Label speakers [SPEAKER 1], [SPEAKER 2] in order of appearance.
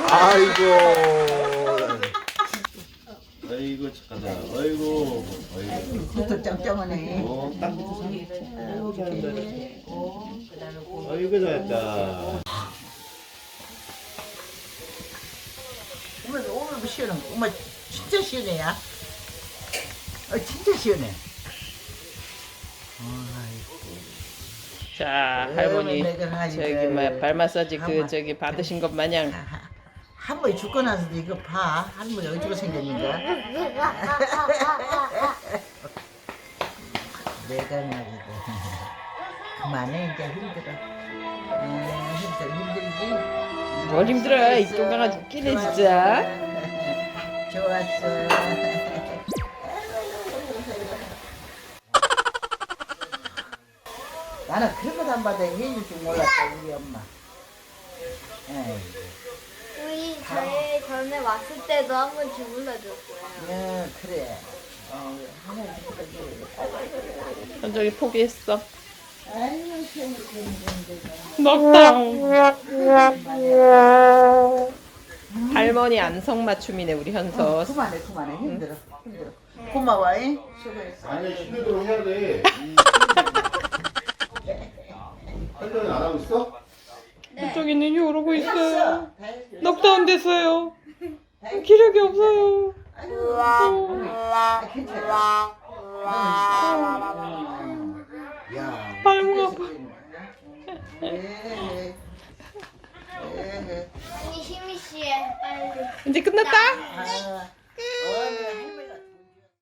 [SPEAKER 1] 아이고.
[SPEAKER 2] 아이고 착하다. 아이고. 아이고.
[SPEAKER 3] 그것도 짱짱하네.
[SPEAKER 2] 딱. 아이고 잘했다.
[SPEAKER 3] 오늘 시원한 거. 엄마 진짜 시원해야. 진짜 시원해.
[SPEAKER 4] 자, 할머니 저기 발 마사지 저기 받으신 것 마냥
[SPEAKER 3] 할머니 죽고 나서도 이거 봐. 할머니 어디가 생겼는가? 내가 말이다. 그만해 이제 힘들어. 힘들지?
[SPEAKER 4] 뭘 힘들어. 이 똥강아지 웃기네 진짜.
[SPEAKER 3] 좋았어. 나는 그런 것도 안 받아 해줄 줄 몰랐어 우리 엄마.
[SPEAKER 5] 우리 저희 전에 왔을 때도 한 번 주물러줬고요.
[SPEAKER 3] 그래.
[SPEAKER 4] 현정이 포기했어.
[SPEAKER 3] 아이고
[SPEAKER 4] 먹당. 할머니 안성맞춤이네 우리 현서.
[SPEAKER 3] 그만해 힘들어. 고마워. 수고했어.
[SPEAKER 2] 아니 힘내도록 해야 돼. 할머니 안 하고 있어?
[SPEAKER 4] 현정이는 이러고 있어요. 넉다운 됐어요. 기력이 없어요.
[SPEAKER 3] 괜찮아.
[SPEAKER 4] 발목 아파.
[SPEAKER 5] 언니 힘이 씨해 빨리.
[SPEAKER 4] 이제 끝났다.
[SPEAKER 3] 오늘